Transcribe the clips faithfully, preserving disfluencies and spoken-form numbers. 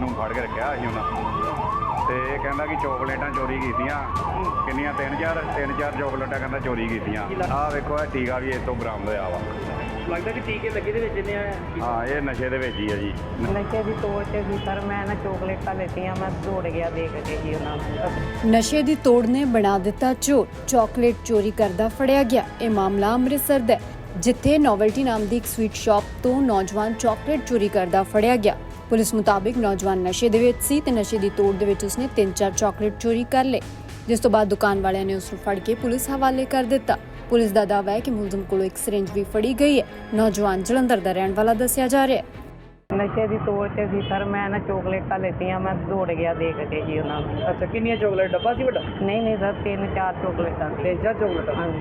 ਇਹਨੂੰ ਫੜ ਕੇ ਰੱਖਿਆ ਸੀ ਉਹਨਾਂ ਤੇ ਇਹ ਕਹਿੰਦਾ ਕਿ ਚੋਕਲੇਟਾਂ ਚੋਰੀ ਕੀਤੀਆਂ ਕਿੰਨੀਆਂ ਤਿੰਨ ਚਾਰ ਤਿੰਨ ਚਾਰ ਚੋਕਲੇਟਾਂ ਕਹਿੰਦਾ ਚੋਰੀ ਕੀਤੀਆਂ। ਆਹ ਵੇਖੋ ਇਹ ਟੀਕਾ ਵੀ ਇਸ ਤੋਂ ਬਰਾਮਦ ਹੋਇਆ ਵਾ। ਲੱਗਦਾ ਕਿ ਟੀਕੇ ਲੱਗੇ ਦੇ ਵਿੱਚ ਇਹਨੇ ਹਾਂ ਇਹ ਨਸ਼ੇ ਦੇ ਵਿੱਚ ਹੀ ਆ ਜੀ। ਨਸ਼ੇ ਦੀ ਤੋੜ 'ਚ ਸੀ ਸਰ, ਮੈਂ ਨਾ ਚੋਕਲੇਟਾਂ ਲੈਤੀਆਂ, ਮੈਂ ਦੌੜ ਗਿਆ ਦੇਖ ਕੇ ਜੀ ਉਹਨਾਂ ਨੂੰ। ਨਸ਼ੇ ਦੀ ਤੋੜ ਨੇ ਬਣਾ ਦਿੱਤਾ ਚੋਰ, ਚਾਕਲੇਟ ਚੋਰੀ ਕਰਦਾ ਫੜਿਆ ਗਿਆ। ਇਹ ਮਾਮਲਾ ਅੰਮ੍ਰਿਤਸਰ ਦਾ ਹੈ, ਜਿੱਥੇ ਨੋਵਲਟੀ ਨਾਮ ਦੀ ਇੱਕ ਸਵੀਟ ਸ਼ਾਪ ਤੋਂ ਨੌਜਵਾਨ ਚਾਕਲੇਟ ਚੋਰੀ ਕਰਦਾ ਫੜਿਆ ਗਿਆ। ਪੁਲਿਸ ਮੁਤਾਬਿਕ ਨੌਜਵਾਨ ਨਸ਼ੇ ਦੇ ਵਿੱਚ ਸੀ ਤੇ ਨਸ਼ੇ ਦੀ ਤੋੜ ਦੇ ਵਿੱਚ ਉਸਨੇ ਤਿੰਨ ਚਾਰ ਚਾਕਲੇਟ ਚੋਰੀ ਕਰ ਲਏ, ਜਿਸ ਤੋਂ ਬਾਅਦ ਦੁਕਾਨ ਵਾਲਿਆਂ ਨੇ ਉਸ ਨੂੰ ਫੜ ਕੇ ਪੁਲਿਸ ਹਵਾਲੇ ਕਰ ਦਿੱਤਾ। ਪੁਲਿਸ ਦਾ ਦਾਅਵਾ ਹੈ ਕਿ ਮੁਲਜ਼ਮ ਕੋਲੋਂ ਇੱਕ ਸਿਰਿੰਜ ਵੀ ਫੜੀ ਗਈ ਹੈ। ਨੌਜਵਾਨ ਜਲੰਧਰ ਦਾ ਰਹਿਣ ਵਾਲਾ ਦੱਸਿਆ ਜਾ ਰਿਹਾ ਹੈ। ਨਸ਼ੇ ਦੀ ਤੋੜ 'ਚ ਸੀ ਸਰ, ਮੈਂ ਨਾ ਚੋਕਲੇਟਾਂ ਲੈਤੀਆਂ, ਮੈਂ ਦੌੜ ਗਿਆ ਦੇਖ ਕੇ ਜੀ ਉਹਨਾਂ ਨੂੰ। ਅੱਛਾ, ਕਿੰਨੀਆਂ ਚੋਕਲੇਟ ਡੱਬਾ ਸੀ ਵੱਡਾ? ਨਹੀਂ ਨਹੀਂ ਸਰ, ਤਿੰਨ ਚਾਰ ਚੋਕਲੇਟਾਂ ਸੀ। ਤਿੰਨ ਚਾਰ ਚੋਕਲੇਟਾਂ? ਹਾਂਜੀ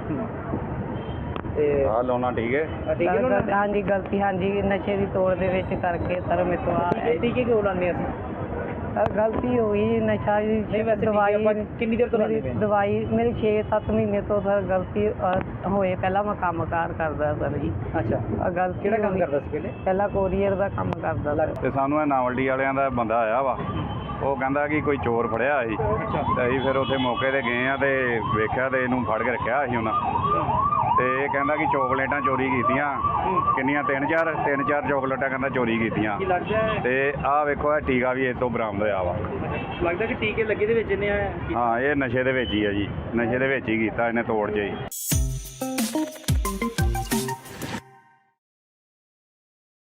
ਤੇ ਆਹ ਲਾਉਣਾ ਠੀਕ ਹੈ। ਆਹ ਟੀਕੇ ਸਰ, ਲਾਉਣਾ? ਹਾਂਜੀ ਗਲਤੀ, ਹਾਂਜੀ ਨਸ਼ੇ ਦੀ ਤੋੜ ਦੇ ਵਿੱਚ ਕਰਕੇ ਸਰ ਮੇਰੇ ਤੋਂ ਆ ਇਹ ਟੀਕੇ ਕਿਉਂ ਲਾਉਂਦੇ ਅਸੀਂ? ਸਰ ਗਲਤੀ ਹੋ ਗਈ, ਨਸ਼ਾ ਨਹੀਂ ਦੀ ਵੈਸੇ ਦਵਾਈ ਆਪਾਂ ਕਿੰਨੀ ਦੇਰ ਤੋਂ ਲਾਉਂਦੇ ਮੇਰੀ ਪਏ ਹਾਂ? ਦਵਾਈ ਮੇਰੀ ਛੇ ਸੱਤ ਮਹੀਨੇ ਤੋਂ ਸਰ ਗਲਤੀ ਅਹ, ਹੋਏ। ਪਹਿਲਾਂ ਮੈਂ ਕੰਮ ਕਾਰ ਕਰਦਾ ਸਰ ਜੀ। ਅੱਛਾ, ਆਹ ਗਲਤੀ ਕਿਹੜਾ ਕੰਮ ਹੋ ਗਈ। ਕਰਦਾ ਸੀ ਪਹਿਲੇ? ਪਹਿਲਾਂ ਕੋਰੀਅਰ ਦਾ ਕੰਮ ਕਰਦਾ ਸਰ। ਤੇ ਸਾਨੂੰ ਇਹ ਨਾਵਲਡੀ ਵਾਲਿਆਂ ਦਾ ਬੰਦਾ ਆਇਆ ਵਾ, ਉਹ ਕਹਿੰਦਾ ਕਿ ਕੋਈ ਚੋਰ ਫੜਿਆ ਸੀ ਅੱਛਾ ਤੇ ਅਸੀਂ ਫਿਰ ਉੱਥੇ ਮੌਕੇ ਤੇ ਗਏ ਆ ਤੇ ਵੇਖਿਆ ਤੇ ਇਹਨੂੰ ਫੜ ਕੇ ਰੱਖਿਆ ਸੀ ਉਹਨਾਂ ਤੇ ਇਹ ਕਹਿੰਦਾ ਕਿ ਚੋਕਲੇਟਾਂ ਚੋਰੀ ਕੀਤੀਆਂ ਕਿੰਨੀਆਂ ਤਿੰਨ ਚਾਰ ਤਿੰਨ ਚਾਰ ਚੋਕਲੇਟਾਂ ਕਹਿੰਦਾ ਚੋਰੀ ਕੀਤੀਆਂ। ਕੀ ਲੱਗਦਾ ਹੈ? ਤੇ ਆਹ ਵੇਖੋ ਇਹ ਟੀਕਾ ਵੀ ਇਸ ਤੋਂ ਬਰਾਮਦ ਹੋਇਆ ਵਾ। ਲੱਗਦਾ ਕਿ ਟੀਕੇ ਲੱਗੇ ਦੇ ਵਿੱਚ ਇਹਨੇ ਹਾਂ ਇਹ ਨਸ਼ੇ ਦੇ ਵਿੱਚ ਹੀ ਆ ਜੀ, ਨਸ਼ੇ ਦੇ ਵਿੱਚ ਹੀ ਕੀਤਾ ਇਹਨੇ ਤੋੜ 'ਚ ਹੀ।